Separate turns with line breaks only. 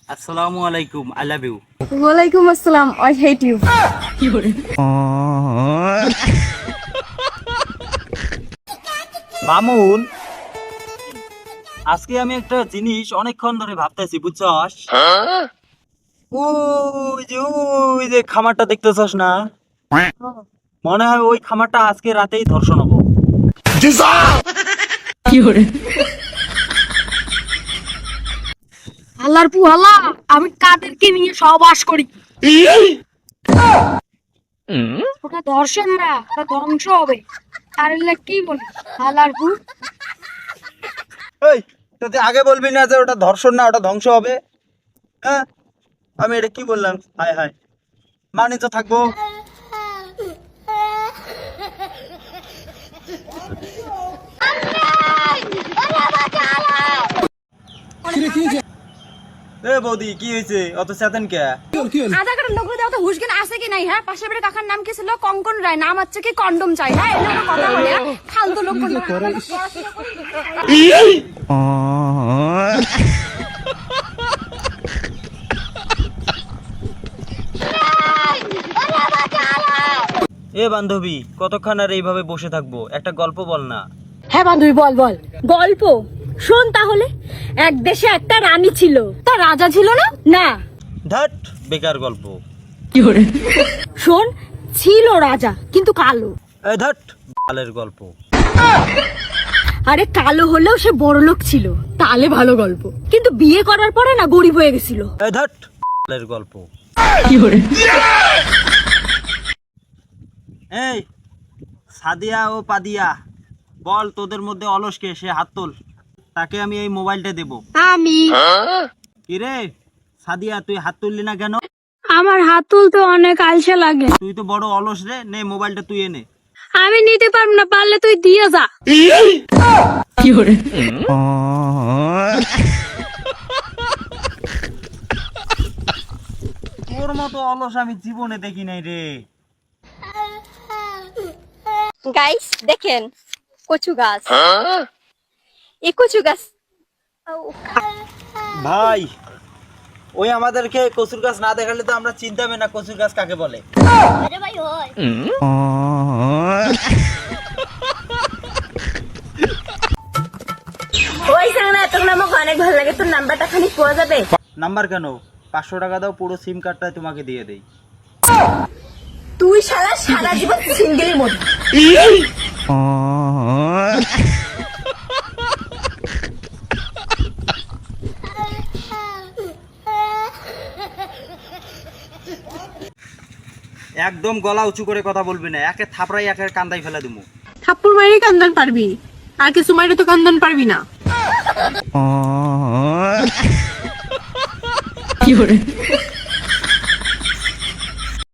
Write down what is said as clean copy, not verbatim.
আসসালামু আলাইকুম, I love you.
ওয়ালাইকুম আসসালাম, আই হেট ইউ।
কি করে মামুন, আজকে আমি একটা জিনিস অনেকক্ষণ ধরে ভাবতেছি, বুঝছস? ওই যে খামারটা দেখতেছস না, মনে হয় ওই খামারটা আজকে রাতেই ধর্ষণ হবো। কি করে
আল্লাহর পুহালা, আমি কাদেরকে নিয়ে সহবাস করি? ওটা ধর্ষণ না, ওটা ধ্বংস হবে। আর এলে কি বলি আল্লাহর পু?
এই, তুই আগে বলবি না যে ওটা ধর্ষণ না, ওটা ধ্বংস হবে? হ্যাঁ, আমি এটা কি বললাম? হায় হায়, মানি তো থাকবো। এ বৌদি, কি হয়েছে? অত চেতেন কে?
আধা কাটার লোক দেওয়া তো হুশজ্ঞান আছে কি নাই? হ্যাঁ, পাশের বাড়ির কাকার নাম কি ছিল? কঙ্কন রায়। নাম হচ্ছে কি কন্ডম চাই। হ্যাঁ, এগুলো কোনো কথা বলে? ফালতু লোক
এ বান্ধবী, কতক্ষণ আর এইভাবে বসে থাকবো? একটা গল্প বল না।
হ্যাঁ বান্ধবী, বল বল। গল্প শোন তাহলে। এক দেশে একটা রানী ছিল, তার রাজা ছিল না? না।
ধ্যাট, বেকার গল্প।
শোন, ছিল রাজা কিন্তু কালো।
এই ধ্যাট, বালের গল্প।
আরে কালো হলেও সে বড়লোক ছিল, তাহলে ভালো গল্প। কিন্তু বিয়ে করার পরে না গরিব হয়ে গেছিল।
এই ধ্যাট, বালের গল্প। এই সাদিয়া ও পাদিয়া, বল তোদের মধ্যে অলসকে, সে হাত তোল, তাকে আমি এই মোবাইলটা দেব।
আমি।
কি রে সাদিয়া, তুই হাত তুললি না কেন?
আমার হাত তুলতে অনেক আলসে লাগে।
তুই তো বড় অলস রে, নে মোবাইলটা তুই এনে।
আমি নিতে পারবো না, পারলে তুই দিয়ে যা।
কি করে তোর মতো অলস আমি জীবনে দেখি নাই রে।
গাইস দেখেন, কচু গাছ। এই কচু গাছ
ভাই, ওই আমাদেরকে কচুর গাছ না দেখালে তো আমরা চিন্তা হবে না কচুর গাছ কাকে বলে।
আরে ভাই হয় ওই সাংনা, তোর নাম অনেক ভালো লাগে, তোর নাম্বারটা খালি পাওয়া যাবে?
নাম্বার কেন, 500 টাকা দাও, পুরো সিম কার্ডটাই তোমাকে দিয়ে দেই।
তুই সারা সারা জীবন সিঙ্গেলের মধ্যে।
একদম গলা উঁচু করে কথা বলবি না, একে থাপড়াই একে কান্দাই ফেলে দিমু।
থাপ্পড় মারি কান্দন পারবি, আর কিছু মারি তো কান্দন পারবি না।
কি করে